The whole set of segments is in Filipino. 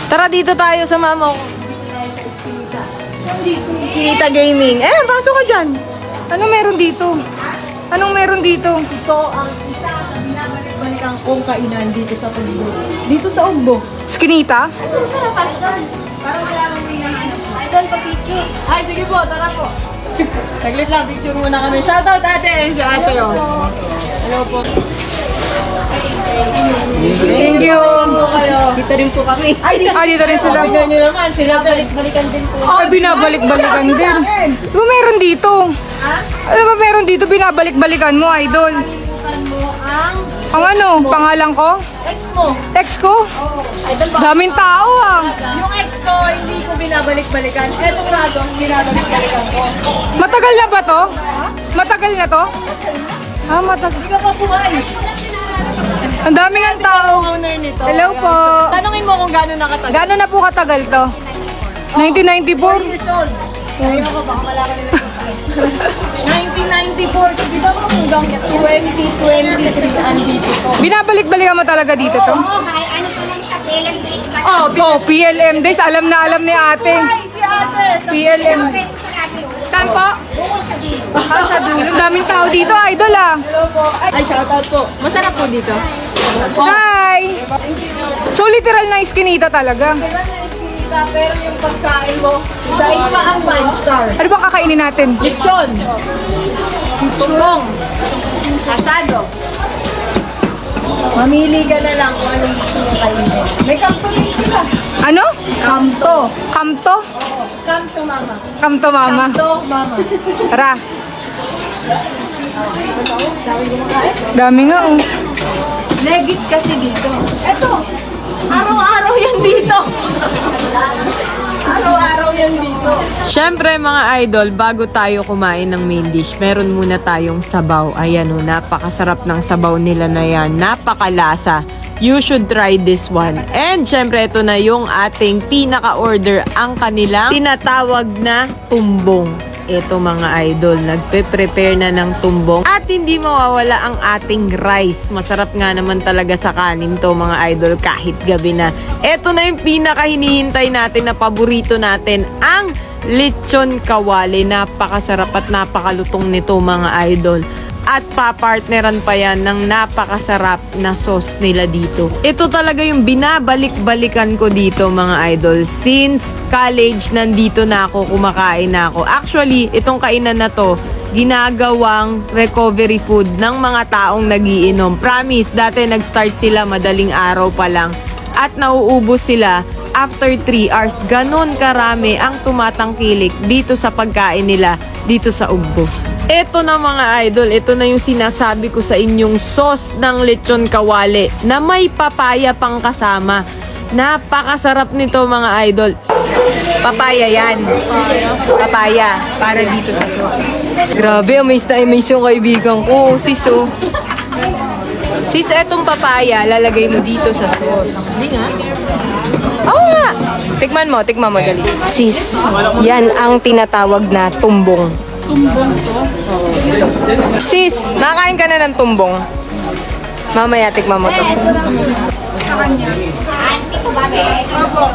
Tara dito tayo sa mama ko. Kita Gaming. Pasok ka dyan. Ano meron dito? Anong meron dito? Ito ang isa sa binabalik-balikan kong kainan dito sa Ugbo. Dito sa Ugbo. Skinita? Tara, pasok. Para malaman mo yung ano. Idol, pa-picture. Ay, sige po, tara po. Saglit lang, picture muna kami. Shoutout ate. Si ate yun. Hello po. Thank you. Po kayo. Dito rin po kami. Dito rin sila. Tignan nyo naman, sila balik-balikan din po. Binabalik-balikan din. Di ba meron dito? Ha? Ano ba meron dito binabalik-balikan mo, idol? Kalimutan mo ang Ang ano? Pangalan ko? ex mo. Ex ko? Oo. Idol ba? Daming tao ah. Yung ex ko, hindi ko binabalik-balikan. Etong rado, binabalik-balikan ko. Matagal na ba to? Matagal na to? Matagal. Hindi ka pa buhay. Ang daming ang tao. Ang owner nito. Hello po. Tanungin mo kung gaano nakatagal. Gano'n na po katagal to? 4 1994? years old. Ayun ko, baka malaman nila yung time. 1994. So, dito ako hanggang 2023 andito to. Binabalik-balikan mo talaga dito to? Oo, kaya ano po lang siya, PLM days pa. Oh, PLM days. Alam na alam ni ate. Ay, si ate! PLM. Pwede sa radio. Saan po? Bukod sa gym. Sa dulo. Ang daming tao dito, idol ah. Hello po. Ay, shoutout po. Masarap po dito. Hi! So literal na iskinita talaga. Diba na iskinita, pero yung pagkain mo, dahil pa ang 5 star. Ano bang kakainin natin? Lechon. Tulong. Asado. Mamili ka na lang kung anong gusto mo kainin. May kamto din sila. Ano? Kamto. Kamto? Oo. Kamto, mama. Kamto mama. Kamto, mama. Tara. Dami kumakain. Dami nga oh. Legit kasi dito. Eto. Araw-araw yan dito. Araw-araw yan dito. Siyempre mga idol, bago tayo kumain ng main dish, meron muna tayong sabaw. Ayan o, napakasarap ng sabaw nila na yan. Napakalasa. You should try this one. And syempre, ito na yung ating pinaka-order, ang kanilang tinatawag na tumbong. Ito mga idol, nagpe-prepare na ng tumbong. At hindi mawawala ang ating rice. Masarap nga naman talaga sa kanin to mga idol kahit gabi na. Ito na yung pinaka-hinihintay natin na paborito natin, ang lechon kawali. Napakasarap at napakalutong nito mga idol. At papartneran pa yan ng napakasarap na sauce nila dito. Ito talaga yung binabalik-balikan ko dito mga idol. Since college, nandito na ako, kumakain na ako. Actually, itong kainan na to, ginagawang recovery food ng mga taong nagiinom. Promise, dati nag-start sila madaling araw pa lang. At nauubos sila after 3 hours. Ganon karami ang tumatangkilik dito sa pagkain nila dito sa Ugbo. Ito na mga idol, ito na yung sinasabi ko sa inyong sauce ng lechon kawali na may papaya pang kasama. Napakasarap nito mga idol. Papaya yan. Papaya para dito sa sauce. Grabe, amaze na amaze yung kaibigan ko. Sis, oh. Sis, etong papaya, lalagay mo dito sa sauce. Hindi nga. Oo nga. Tikman mo dali. Sis, yan ang tinatawag na tumbong. Tumbong to. Sis, nakain ka na ng tumbong. Mamaya, tikman mo to. Auntie ko ba, be? Opo.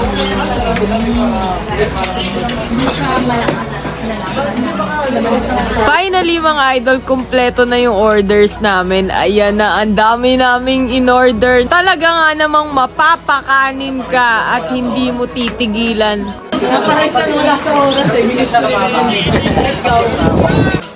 Finally mga idol, kumpleto na yung orders namin. Ayan na, ang dami naming in-order. Talaga nga namang mapapakanin ka at hindi mo titigilan. Naparesan wala sa oras eh. Let's go.